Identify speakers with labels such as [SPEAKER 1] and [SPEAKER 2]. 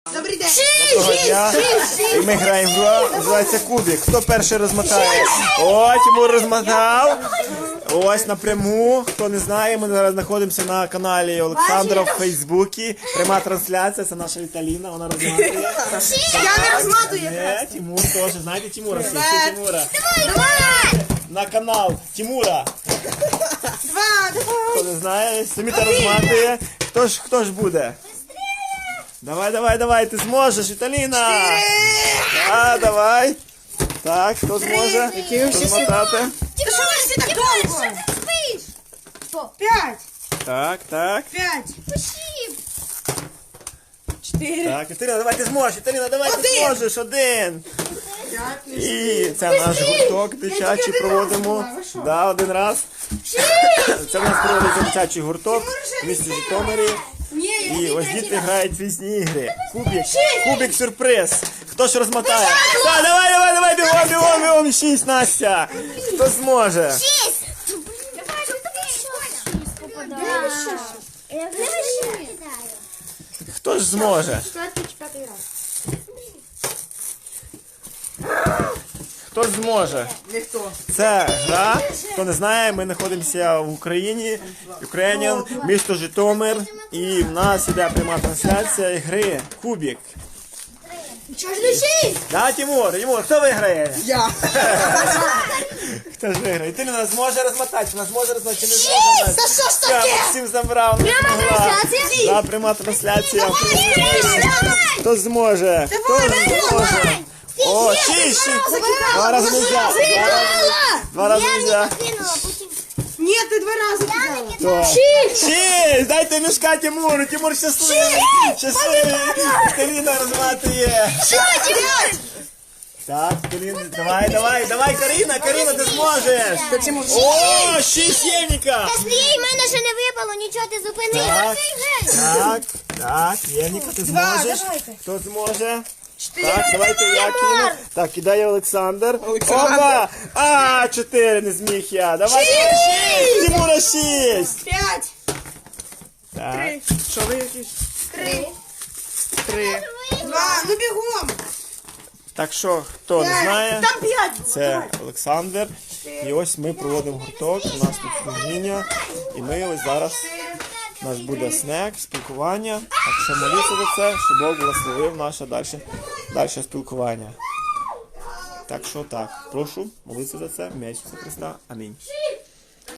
[SPEAKER 1] Добрий день.
[SPEAKER 2] Доброго дня. І ми граємо в гру, називається Кубик. Хто перший розмотає? О, Тимур розмотав. Ось напряму. Хто не знає, ми зараз знаходимося на каналі Олександра в Фейсбуці. Пряма трансляція, це наша Віталіна, вона розматує.
[SPEAKER 1] Я не розматую.
[SPEAKER 2] Не, Тимур теж. Знаєте Тимура? Всі Тимура.
[SPEAKER 1] Давай.
[SPEAKER 2] На канал Тимура.
[SPEAKER 1] Два.
[SPEAKER 2] Хто не знає, Саміта розматує. Хто ж буде? Давай, ти зможеш, Віталіна! Давай. Так, хто зможе? Розмотати?
[SPEAKER 1] Ти що ви всі так довго? П'ять.
[SPEAKER 2] Так.
[SPEAKER 1] П'ять. Чотири.
[SPEAKER 2] Так, Віталіна, давай ти зможеш, Віталіна, давай ти зможеш, один. І це наш гурток дитячий проводимо. Да, один раз. Це в нас проводиться дитячий гурток в місті Житомирі. І ось діти грають в різні ігри. Кубик сюрприз. Хто ж розмотає? Так, давай, бігом, 6, Настя. Хто зможе? Хто ж зможе? Хто зможе?
[SPEAKER 1] Ніхто.
[SPEAKER 2] Це гра, хто не знає, ми знаходимося в Україні, Українін, місто Житомир, і в нас іде пряма трансляція гри Кубик.
[SPEAKER 1] Чого ж не шість?
[SPEAKER 2] Да, Тимур, хто виграє?
[SPEAKER 1] Я.
[SPEAKER 2] Хто ж виграє? Ти нас зможе розмотати, вона зможе розмотати, чи не зможе?
[SPEAKER 1] Та що ж
[SPEAKER 2] Я
[SPEAKER 1] таке?
[SPEAKER 2] Максим забрав, не змогла. Да, пряма трансляція. Хто зможе? Хто зможе? О, 6. Два рази нельзя. Два рази нельзя.
[SPEAKER 1] Ні, ти два рази кидала.
[SPEAKER 2] 6! Дайте мішка Тимуру, Тимур щасливий. Каліна розматує. Так, Каліна, давай, Каріна, ти зможеш. О, 6 Євніка.
[SPEAKER 3] Стрій, в мене ще не випало, нічого ти зупинив.
[SPEAKER 2] Так, Євніка, ти зможеш.
[SPEAKER 1] давайте.
[SPEAKER 2] Хто зможе? Так, давайте я кину. Так, кидає Олександр. Опа! 4 не зміг я. Давай, 6! Тимура 6!
[SPEAKER 1] П'ять.
[SPEAKER 2] Так, що ви якісь? 3.
[SPEAKER 1] Два. Ну бігом.
[SPEAKER 2] Так що, хто не знає,
[SPEAKER 1] Там п'ять.
[SPEAKER 2] це Олександр. І ось ми проводимо гурток, у нас тут служіння. І ми ось зараз, у нас буде снек, спілкування. Так що моліться за це, щоб Бог благословив наше далі спілкування. Так що так, прошу молитися за це, в ім'я Ісуса Христа. Амінь.